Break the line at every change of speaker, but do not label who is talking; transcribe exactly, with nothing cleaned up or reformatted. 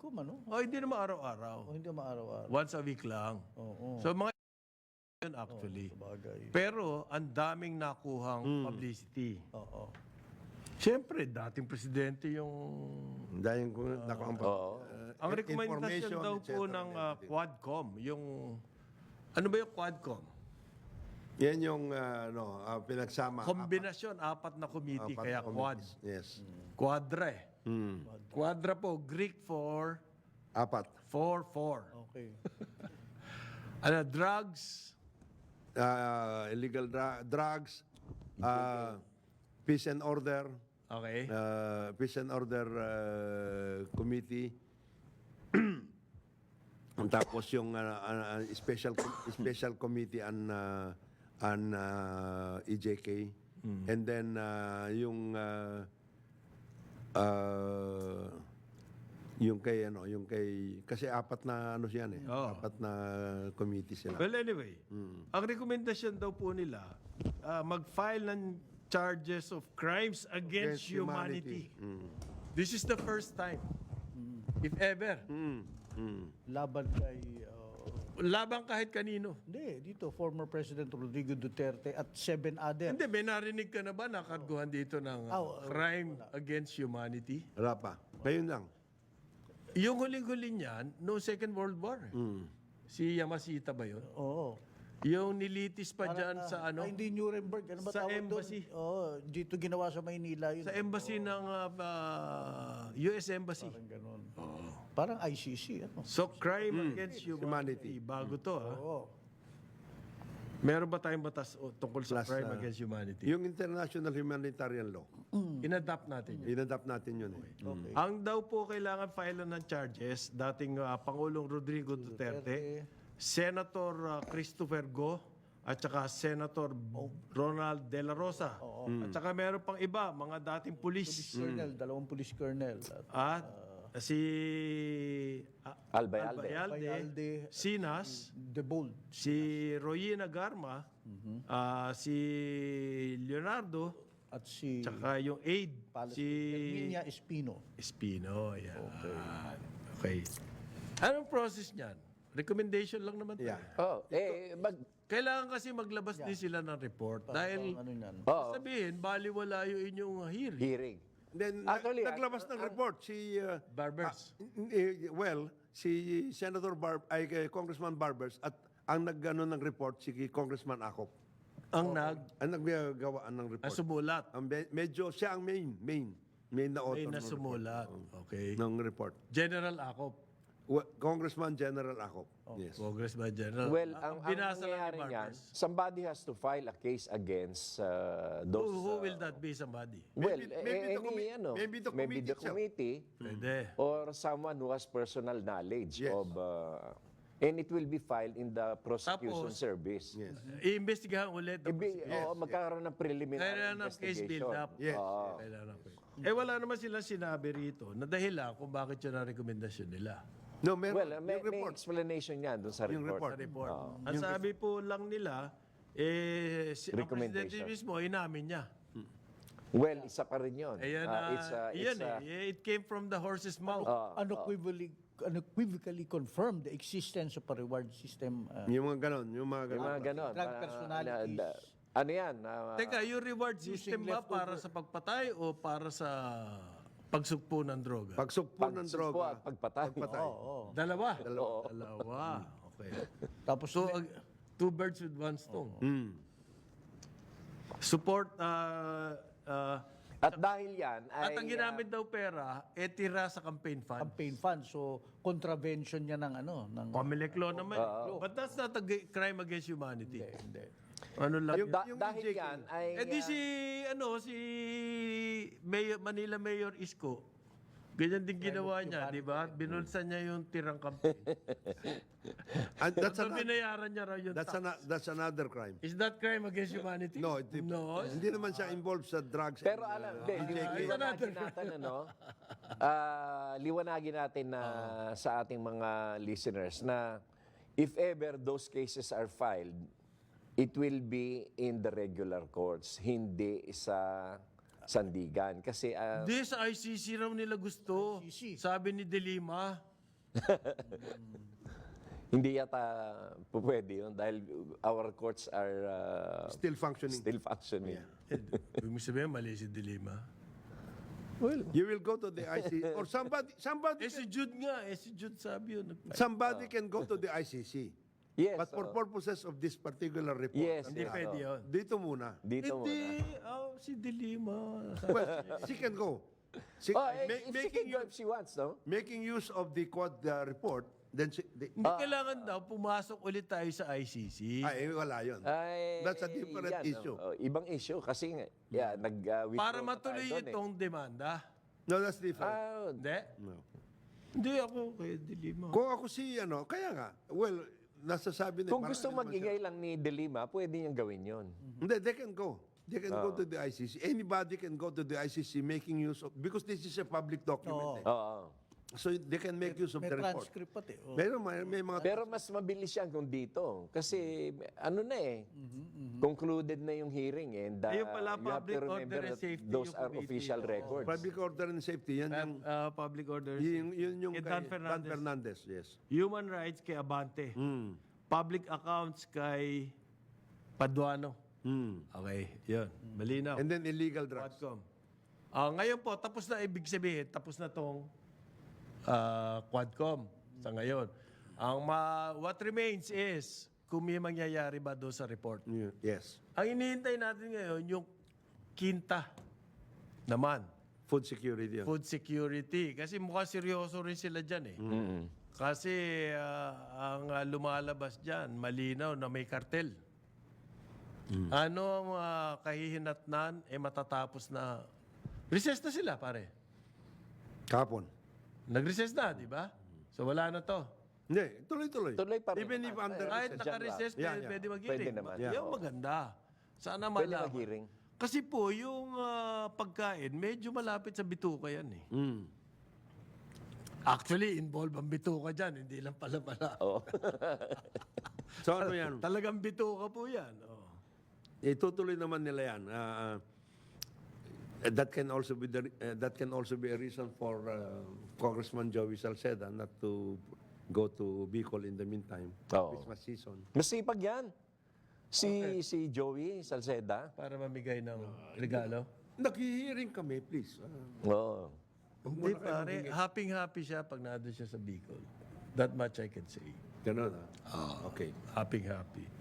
Quadcom, ano?
Oh, hindi naman araw-araw.
O hindi maaraw-araw.
Once a week lang.
Oo.
So mga yun actually.
Sabagay.
Pero ang daming nakuhang publicity.
Oo.
Siyempre, dating presidente yung...
Dahil kung nakampa.
Oo.
Ang recommendation daw po ng uh, Quadcom, yung... Ano ba yung Quadcom?
Yan yung uh, ano, uh, pinagsama.
Kombinasyon, apat na committee,
Apat
kaya
na
quad.
committees. Yes.
Quadra eh.
Hmm.
Quadra po, Greek for
Apat.
four, four.
Okay.
Ano, drugs,
Uh, illegal dra- drugs, uh, peace and order,
okay.
uh, peace and order uh, committee. Tapos yung uh, uh, special special committee on uh, on uh, E J K. And then uh, yung uh, uh, yung kay ano, yung kay kasi apat na ano siyan eh.
Oo.
Apat na committee sila.
Well, anyway, ang rekomendasyon daw po nila, ah, mag-file ng charges of crimes against,
Against
humanity.
humanity.
This is the first time, if ever.
Mm. Mm.
Laban kay... uh,
Labang kahit kanino.
hindi, dito, former President Rodrigo Duterte at seven other.
Hindi, may narinig ka na ba nakarguhan dito ng ah,
Oh, oh,
crime against humanity?
Wala pa. Ngayon lang.
Yung huling-huli niyan, no Second World War. eh.
Mm.
Si Yamashita ba yun?
Oo.
Yung nilitis pa dyan sa ano?
Ay, hindi Nuremberg. Ano ba
Sa
tawag
embassy.
doon? Oo, dito ginawa sa Maynila yun.
Sa embassy ng ah, ah, U S Embassy.
Parang ganun. Parang I C C. Ano?
So, crime against humanity.
Humanity.
Bago to, ha?
Oo.
Meron ba tayong batas o, tungkol sa
Plus,
crime
ah,
against humanity?
Yung international humanitarian law,
Inadapt natin yun.
inadapt natin yun eh.
Okay.
Ang daw po kailangan file ng charges, dating ah, Pangulong Rodrigo Duterte, Senator ah, Christopher Go, at saka Senator Ronald De La Rosa. At saka meron pang iba, mga dating pulis.
Colonel, dalawang police colonel. At
At si ah,
Albayalde.
Albayalde,
Albayalde,
Sinas,
The Bold.
si Royina Garma, ah, si Leonardo,
At si
tsaka yung aide,
Palace
si
Herminia Espino.
Espino. Yan. Okay. Anong process niyan? Recommendation lang naman. to.
Yeah.
Oh, eh, mag,
Kailangan kasi maglabas din sila ng report dahil
Ano yan?
oh,
sabihin, baliwala yung inyong hearing.
hearing.
Then, na-
Actually,
naglabas ng report si, uh,
Barbers.
eh, well, si Senator Barb, ay kay Congressman Barbers at ang nagano ng report si Congressman Acop.
ang nag
Ang naggagawa ng report.
sumulat.
Ang me- medyo siya ang main, main, main na
May
author ng report.
nasumulat. Okay.
ng report.
General Acop.
Wa- Congressman General Acop. Yes.
Congress by General.
Well,
Ah,
ang, ang
binasa lang ni
nangyayari niyan,
Barbers.
somebody has to file a case against uh,
Who,
those...
who
uh,
will that be somebody?
well,
Maybe-
eh,
maybe the
any,
commi-
ano,
maybe the
maybe the
committee itself.
committee
Pwede.
or someone who has personal knowledge
Yes.
of... Uh, and it will be filed in the prosecution
Tapos,
service.
Yes.
Iimbestigahan ulit.
Ibi, oo, magkakaroon ng preliminary
Kailangan ng case
investigation.
build-up.
Yes.
Kailangan ng case. Eh wala naman silang sinabi rito na dahilan kung bakit yun ang rekomendasyon nila.
No, meron.
Well, uh, may,
yung
may
report.
explanation yan dun sa
Yung
report.
Sa report. Ang sabi po lang nila, eh, si, ang presidente
Recommendation.
mismo, inamin niya.
Well, isa pa rin yun.
Ayan
Ah,
na,
it's, uh,
iyan
it's, uh,
eh. It came from the horse's mouth.
ah,
Unequivocally, unequivocally confirmed the existence of a reward system. uh,
Yung mga ganon, yung mga
yung
ganon.
mga ganon.
Drug
Ah,
personalities.
na- na- ano yan? ah,
Teka, yung reward system ba para sa pagpatay o para sa pagsugpo ng droga?
Pagsugpo ng
pagsugpo
droga.
at pagpatay.
Pagpatay.
Oo.
Dalawa?
Oo.
Dalawa. Okay.
Tapos
So, ag- two birds with one stone.
Mm.
Support, uh, uh,
At dahil yan ay...
at ang ginamit daw pera, eh tira sa campaign fund.
campaign fund. So, contravention niya ng ano. Ng,
Comelec law naman. But that's not a g- crime against humanity.
hindi, hindi.
Ano lang?
At da-
yung
dahil
E J K,
yan ay...
Eh di
ah,
si, ano, si Mayor, Manila Mayor Isko, ganyan din ginawa niya, di ba? Binulsan niya yung tirang campaign.
And that's,
Tapos
an,
binayaran niya raw yung
that's,
tax.
an, that's another crime.
Is that crime against humanity?
No, hindi,
No.
hindi naman siya involved sa drugs.
Pero
and,
alam,
uh,
hindi,
E J K.
liwanagin natin, ano, ah, liwanagin natin na sa ating mga listeners na if ever those cases are filed, it will be in the regular courts, hindi sa sandigan. Kasi, ah,
Hindi, sa I C C raw nila gusto.
I C C.
Sabi ni De Lima.
Hindi yata po pwede yun dahil our courts are uh,
Still functioning.
still functioning.
Eh, Ibig mo sabihin, mali si Dilima.
Well,
You will go to the I C C or somebody somebody
Eh si Jude nga, eh si Jude sabi yun. nag-
somebody can go to the I C C.
yes.
But for
oo.
purposes of this particular report,
Yes,
Hindi
yes,
pwede
oo.
yun.
dito muna.
Dito
Hindi,
muna.
oh, si Dilima.
Well, she can go. She,
Oh, eh,
ma-
if she
making,
can go
use,
if she wants, no?
making use of the quad uh, report, then she, the,
Hindi kailangan daw pumasok ulit tayo sa I C C.
ay, wala yun.
Ay,
That's a different
yan,
issue.
oh. Oh, ibang issue kasi nga, yeah, nag uh, withdraw
Para
na
matuloy
tayo doon, eh.
itong demanda.
No, that's different.
Ah,
Hindi?
No.
Hindi ako kay Dilima.
Kung ako si, ano, kaya nga, well, nasasabi na,
kung
marami
gusto
naman
mag-ingay lang ni Delima, pwede niyang gawin yon.
siya. Hindi, they can go. They can go to the I C C. Anybody can go to the I C C making use of, because this is a public document. eh.
Oo.
So they can make use of
May
the report.
transcript pati. Oh.
Meron, may, may mga...
Pero mas mabilis yan kung dito. Kasi ano na eh, concluded na yung hearing eh, and uh,
Ayun pala,
you have to
public order
remember
and
that
safety
those
yung
are
committee.
official
Oo.
records.
Public order and safety, yan yung...
Uh, public order.
Yun, yun yung
Kay
kay
Dan
Dan
Fernandez.
Fernandez, yes.
Human rights kay Abante.
Mm.
Public accounts kay Paduano.
Mm.
Okay, yun. Malinaw.
And then illegal drugs.
Quadcom. Ah, ngayon po, tapos na ibig sabihin, tapos na tong ah, Quadcom sa ngayon. Ang ma- what remains is kung may mangyayari ba doon sa report.
Yeah, yes.
Ang inihintay natin ngayon, yung kinta naman,
Food security. Yun.
food security. Kasi mukhang seryoso rin sila dyan eh.
Mm.
Kasi ah, ang ah, lumalabas dyan, malinaw na may kartel. Ano ang ah, kahihinatnan, eh matatapos na. Recess na sila, pare.
Kapon.
Nag-recess na, di ba? So wala na to.
Hindi, tuloy-tuloy.
Tuloy pa rin
Even
naman.
if under
Kahit
recess.
naka-recess,
Yeah,
pwede,
yeah.
pwede mag-hearing.
Pwede naman.
Yeah.
Yung maganda. Sana
Pwede
malaman.
mag-hearing.
Kasi po, yung ah, pagkain, medyo malapit sa bituka yan eh.
Mm.
Actually, involved ang bituka dyan, hindi lang pala pala.
Oo.
So ano yan?
Talagang bituka po yan. Oh.
Itutuloy naman nila yan. Ah, ah, that can also be the, uh, that can also be a reason for uh, Congressman Joey Salceda not to go to Bicol in the meantime.
Oo.
Christmas season.
Masipag yan. Si si Joey Salceda.
Para mamigay ng regalo.
Naghihiring kami, please. Ah,
Oo.
Hindi pare, happy-happy siya pag nandun siya sa Bicol. That much I can say.
ganun ah. Okay.
Happy-happy.